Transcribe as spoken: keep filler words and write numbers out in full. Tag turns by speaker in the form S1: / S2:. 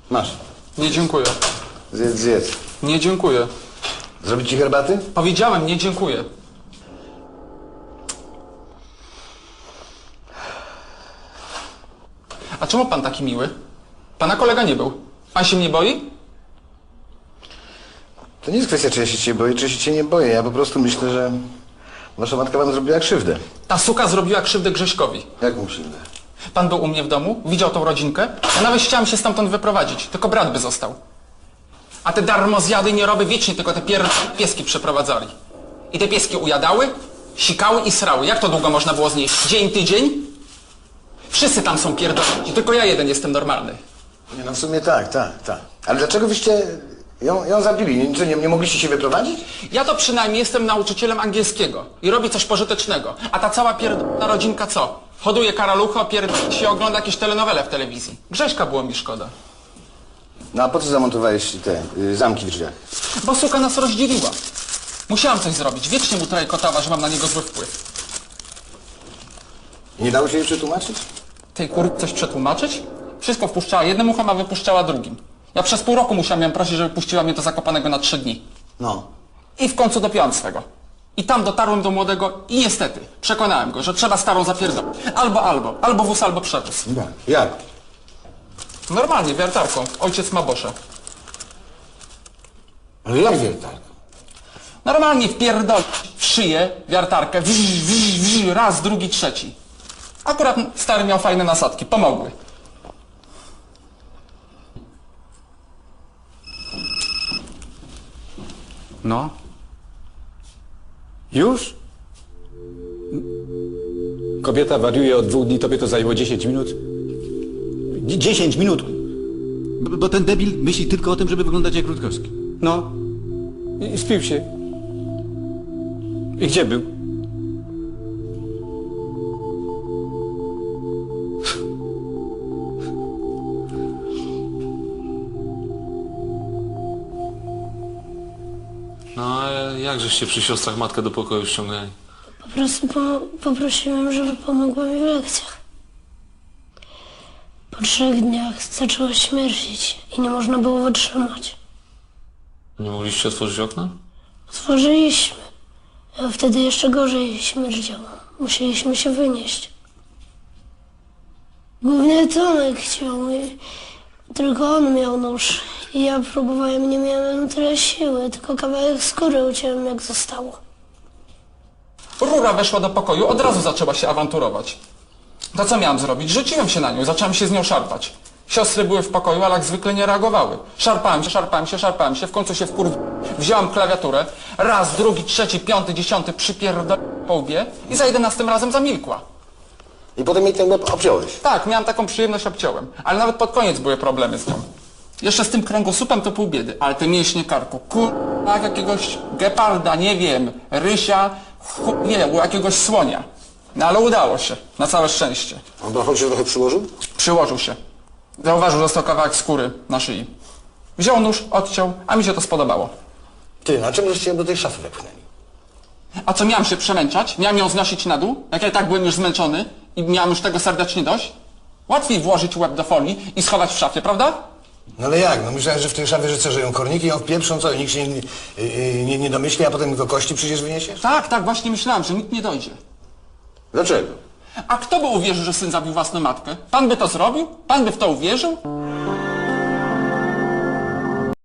S1: Masz.
S2: Nie dziękuję.
S1: Zjedz, zjedz.
S2: Nie dziękuję.
S1: Zrobić ci herbaty?
S2: Powiedziałem, nie dziękuję. A czemu pan taki miły? Pana kolega nie był. Pan się mnie boi?
S1: To nie jest kwestia, czy ja się cię boję, czy się cię nie boję. Ja po prostu myślę, że wasza matka wam zrobiła krzywdę.
S2: Ta suka zrobiła krzywdę Grześkowi.
S1: Jak mu krzywdę?
S2: Pan był u mnie w domu, widział tą rodzinkę. Ja nawet chciałem się stamtąd wyprowadzić, tylko brat by został. A te darmozjady i nieroby wiecznie tylko te pier... pieski przeprowadzali. I te pieski ujadały, sikały i srały. Jak to długo można było znieść? Dzień, tydzień? Wszyscy tam są pierdolni, tylko ja jeden jestem normalny.
S1: Nie, no w sumie tak, tak, tak. Ale dlaczego wyście ją, ją zabili? Nie, nie, nie mogliście się wyprowadzić?
S2: Ja to przynajmniej jestem nauczycielem angielskiego i robię coś pożytecznego. A ta cała pierdolna rodzinka co? Hoduje karalucho, pierd... się ogląda jakieś telenowele w telewizji. Grześka było mi szkoda.
S1: No a po co zamontowałeś te y, zamki w drzwiach?
S2: Bo suka nas rozdzieliła. Musiałam coś zrobić. Wiecznie mu trajkotała, że mam na niego zły wpływ.
S1: I nie dało się jej przetłumaczyć?
S2: Tej kur... coś przetłumaczyć? Wszystko wpuszczała jednym uchem, a wypuszczała drugim. Ja przez pół roku musiałam ją prosić, żeby puściła mnie do Zakopanego na trzy dni.
S1: No.
S2: I w końcu dopiąłem swego. I tam dotarłem do młodego i niestety przekonałem go, że trzeba starą zapierdolić. Albo, albo. Albo wóz, albo przewóz.
S1: Jak? Jak?
S2: Normalnie, wiertarką. Ojciec ma boszę.
S1: Ale jak wiertarka?
S2: Normalnie wpierdolić w szyję wiartarkę. Wż, wż, wż, raz, drugi, trzeci. Akurat stary miał fajne nasadki. Pomogły. No.
S3: Już? Kobieta wariuje od dwóch dni, tobie to zajęło dziesięć minut? Dzie- dziesięć minut!
S4: Bo, bo ten debil myśli tylko o tym, żeby wyglądać jak Rutkowski.
S3: No. I, i spił się. I gdzie był?
S5: No a jakżeście przy siostrach matkę do pokoju ściągnęli?
S6: Po prostu po, poprosiłem, żeby pomogła mi w lekcjach. Po trzech dniach zaczęła śmierdzić i nie można było wytrzymać.
S5: Nie mogliście otworzyć okna?
S6: Otworzyliśmy, a wtedy jeszcze gorzej śmierdziało. Musieliśmy się wynieść. Głównie Tomek chciał, i tylko on miał nóż. I ja próbowałem, nie miałem tyle siły, tylko kawałek skóry uciąłem jak zostało.
S2: Rura weszła do pokoju, od razu zaczęła się awanturować. To co miałem zrobić? Rzuciłem się na nią, zacząłem się z nią szarpać. Siostry były w pokoju, ale jak zwykle nie reagowały. Szarpałem się, szarpałem się, szarpałem się, w końcu się wkur... Wziąłem klawiaturę, raz, drugi, trzeci, piąty, dziesiąty, przypierdolę po łbie i za jedenastym razem zamilkła.
S1: I potem jej ten łeb obciąłeś.
S2: Tak, miałem taką przyjemność, obciąłem. Ale nawet pod koniec były problemy z nią. Jeszcze z tym kręgosłupem to pół biedy, ale te mięśnie karku, kur... jak jakiegoś geparda, nie wiem, rysia, chu... nie wiem, jakiegoś słonia. No ale udało się, na całe szczęście.
S1: On brochol się trochę przyłożył?
S2: Przyłożył się. Zauważył, że został kawałek skóry na szyi. Wziął nóż, odciął, a mi się to spodobało.
S1: Ty, na czym żeście ją do tej szafy wepchnęli?
S2: A co, miałem się przemęczać? Miałem ją znosić na dół? Jak ja tak byłem już zmęczony i miałem już tego serdecznie dość? Łatwiej włożyć łeb do folii i schować w szafie, prawda?
S1: No ale jak? No myślałem, że w tej szafie, że co, że ją korniki ją wpieprzą, co? I nikt się nie, yy, nie, nie domyśli, a potem tylko kości przecież wyniesiesz?
S2: Tak, tak, właśnie myślałem, że nikt nie dojdzie.
S1: Dlaczego?
S2: A kto by uwierzył, że syn zabił własną matkę? Pan by to zrobił? Pan by w to uwierzył?